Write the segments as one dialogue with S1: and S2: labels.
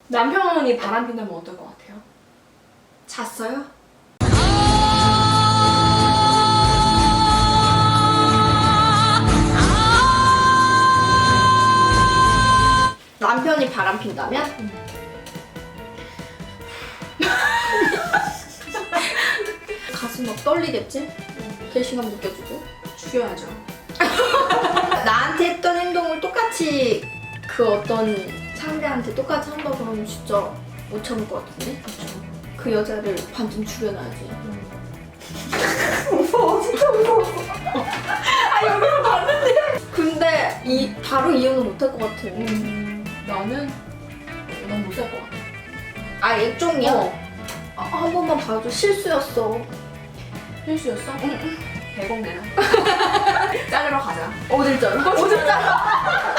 S1: 남편이 바람핀다면 어떨 것 같아요?
S2: 잤어요? 남편이 바람핀다면? 가슴 막 떨리겠지? 배신감 느껴지고.
S1: 죽여야죠.
S2: 나한테 했던 행동을 똑같이 그 어떤 상대한테 똑같이 한다 그러면 진짜 못 참을 것 같은데?
S1: 그렇죠.
S2: 그 여자를 반쯤 죽여놔야지.
S1: 무서워, 진짜 무서워. 아, 여기서 봤는데.
S2: 근데 바로 이혼은 못 할 것 같아.
S1: 나는 난 못 살 것 같아.
S2: 아, 액종이야?
S1: 어.
S2: 한 번만 봐줘. 실수였어.
S1: 실수였어? 응. 100억 내놔. 자르러 가자.
S2: 어딜 잘라? 어딜 잘라?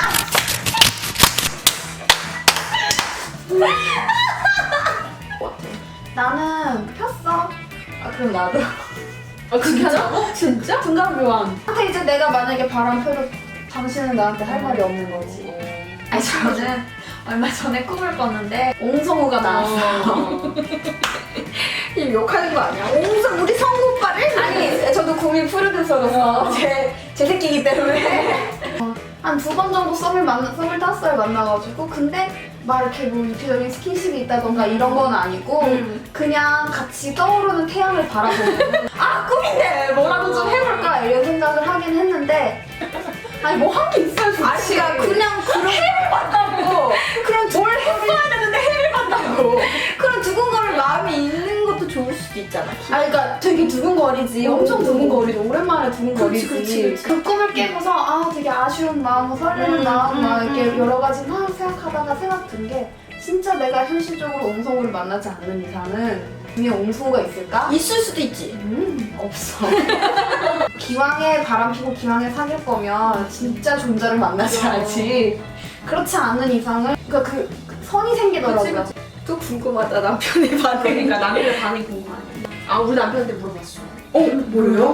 S3: 나는 폈어.
S1: 아, 그럼 나도. 아, 진짜? 진짜? 중간 교환.
S3: 근데 이제 내가 만약에 바람 펴도 당신은 나한테 할 말이 없는 거지. 아니 저는 얼마 전에 꿈을 꿨는데 옹성우가 나왔어요.
S2: 지금 욕하는 거 아니야? 옹성 우리 성우 오빠를?
S3: 아니 저도 구미 프로듀서로서 제 새끼이기 때문에 한 2번 정도 썸을 탔어요 만나가지고. 근데 막 이렇게 뭐 유쾌적인 스킨십이 있다던가 이런 건 아니고 그냥 같이 떠오르는 태양을 바라보는 아 꿈인데 뭐라도 좀 해볼까 이런 생각을 하긴 했는데 아니 뭐 한 게 있어야 좋지.
S2: 아니가 그냥 그런
S3: 해를 봤다고.
S2: 그런
S3: 뭘 했어야 되는데 해를 봤다고.
S2: 그런 두근거릴 마음이 있는 것도 좋을 수도 있잖아.
S3: 아 그러니까 되게 두근거리지. 엄청 두근거리지. 오랜만에 두근거리지.
S2: 그치.
S3: 그 꿈을 깨고서 아 되게 아쉬운 마음, 설레는 마음 막 이렇게 여러 가지 막 생각하다가 생각 든 게 진짜 내가 현실적으로 옹성우를 만나지 않는 이상은 그냥 옹성우가 있을까?
S2: 있을 수도 있지.
S3: 없어. 기왕에 바람 피고 기왕에 사귈 거면 진짜 존재를 만나줘야지. 그렇지 않은 이상은 그러니까 그 선이 생기더라고요.
S1: 그치,
S2: 또 궁금하다 남편의 반응.
S1: 그러니까 남편의 반응이 궁금하네. 아, 우리 남편한테 물어봤어.
S2: 뭐예요?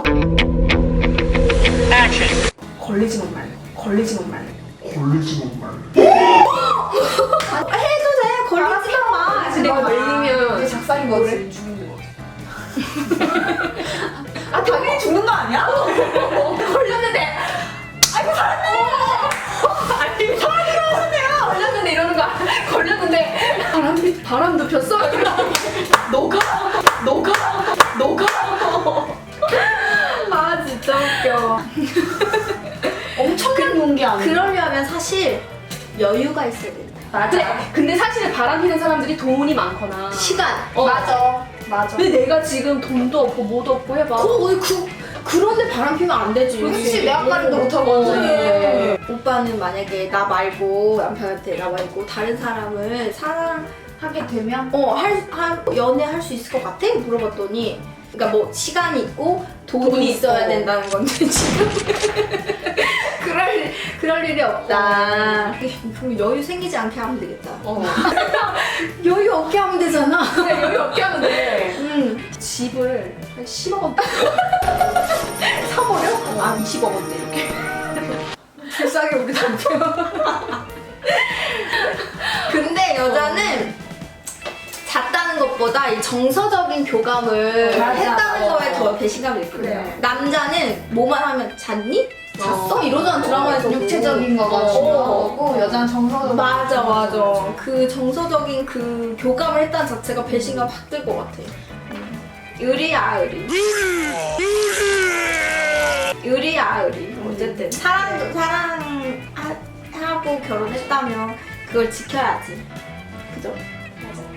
S1: 걸리지만 말래. 걸리지만 말래.
S4: 걸리지만 말래.
S2: 해도 돼. 걸리지만 마.
S1: 근데 걸리면
S3: 이제 작살인 거지.
S1: 죽는 거 같아.
S3: 아 당연히 죽는 거 아니야?
S2: 걸렸는데.
S1: 아니, 사람이 하셨네요. 걸렸는데 이러는 거 아니야? 걸렸는데 바람도 폈어? 녹아?
S2: 아 진짜 웃겨.
S3: 엄청난 용기 아니야?
S2: 그러려면 사실 여유가 있어야 된다.
S3: 맞아.
S1: 근데 사실 바람 피는 사람들이 돈이 많거나
S2: 시간.
S3: 맞아.
S1: 근데 내가 지금 돈도 없고 뭐도 없고 해봐.
S2: 그런데 바람 피면 안 되지.
S3: 그렇지 내 앞가림도 못하고
S2: 그래. 오빠는 만약에 나 말고 남편한테 나 말고 다른 사람을
S3: 하게 되면
S2: 연애할 수 있을 것 같아? 물어봤더니 그러니까 뭐 시간이 있고 돈이 있어야
S1: 있고.
S2: 된다는 건데 지금 그럴 일이 없다. 그럼 여유 생기지 않게 하면 되겠다. 여유 없게 하면 되잖아.
S1: 그냥 여유 없게 하면 돼. 집을 한 10억 원대 사버려? 아, 20억 원대 이렇게.
S2: 불쌍해 우리 남편. 근데 여자는 잤다는 것보다 이 정서적인 교감을
S3: 맞아.
S2: 했다는 거에 더 배신감이 있거든요.
S3: 그래.
S2: 남자는 뭐만 하면 잤니? 잤어? 이러잖아 드라마에서.
S3: 육체적인 거가 중요한 거고 여자는 정서적인
S2: 맞아
S3: 거.
S2: 맞아. 그 정서적인 그 교감을 했다는 자체가 배신감 확 들 것 같아. 의리야 의리. 의리야 의리. 어쨌든 사랑하고 결혼했다면 그걸 지켜야지. 그죠?
S1: 맞아.